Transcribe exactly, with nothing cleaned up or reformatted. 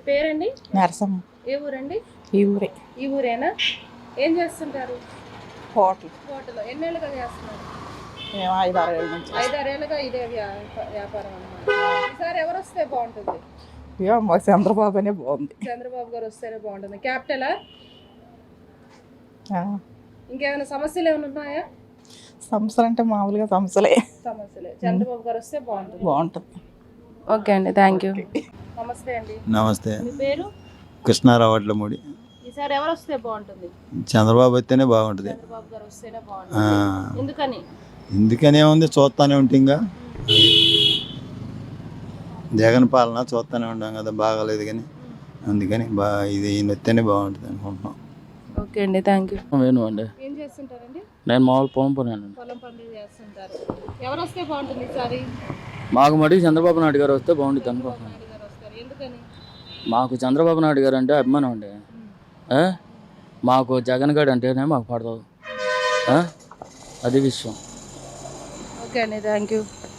పేరండి? నరసమ్మ. ఏ ఊరండి? ఈ ఊరే. ఈ ఊరేనా? ఏం చేస్తుంటారు? హోటల్. హోటల్. ఎన్నేళ్ళుగా చేస్తున్నారు? మేము ఐదు ఆరు ఏళ్ళ నుంచి. ఐదారేళ్ళుగా ఇదే వ్యా- వ్యాపారం అన్నమాట. ఈసారి ఎవరు వస్తే బాగుంటుంది? ఇక మా చంద్రబాబు అనే బాగుంది. చంద్రబాబు గారు వస్తేనే బాగుంటుంది. క్యాపిటలా? ఇంకేమైనా సమస్యలు ఏమైనా ఉన్నాయా? సమస్యలు అంటే మామూలుగా సమస్యలే. సమస్యలే. చంద్రబాబు గారు వస్తే బాగుంటుంది. బాగుంటుంది. ఓకే అండి, థ్యాంక్ యూ. నమస్తే అండి. నమస్తే. మీ పేరు? కృష్ణారావు వడ్లమూడి. ఈసారి ఎవరు వస్తే బాగుంటుంది? చంద్రబాబు వస్తేనే బాగుంటుంది. చంద్రబాబు గారు వస్తేనే బాగుంటుంది. ఎందుకని? ఎందుకనే ఉంది, చూస్తానే ఉంటాంగా. జగన్ పాలన చూస్తూనే ఉంటాం కదా, బాగాలేదు కానీ అందుకని బా ఇది ఈయన వస్తేనే బాగుంటుంది అనుకుంటున్నాం. ఓకే అండి, థ్యాంక్ యూ. వేణు అండి. ఏం చేస్తుంటారండి? నేను మామూలు పొలం పని. పొలం పనులు చేస్తుంటారు. ఎవరు వస్తే బాగుంటుంది ఈసారి? మాకు మటుకు చంద్రబాబు నాయుడు గారు వస్తే బాగుంటుంది అనుకుంటున్నాను. నాయుడు గారు వస్తారు. ఎందుకని? మాకు చంద్రబాబు నాయుడు గారు అంటే అభిమానం అండి. ఆ? మాకు జగన్ గారు అంటేనే మాకు పడదు. అది విషయం. ఓకే అండి, థ్యాంక్ యూ.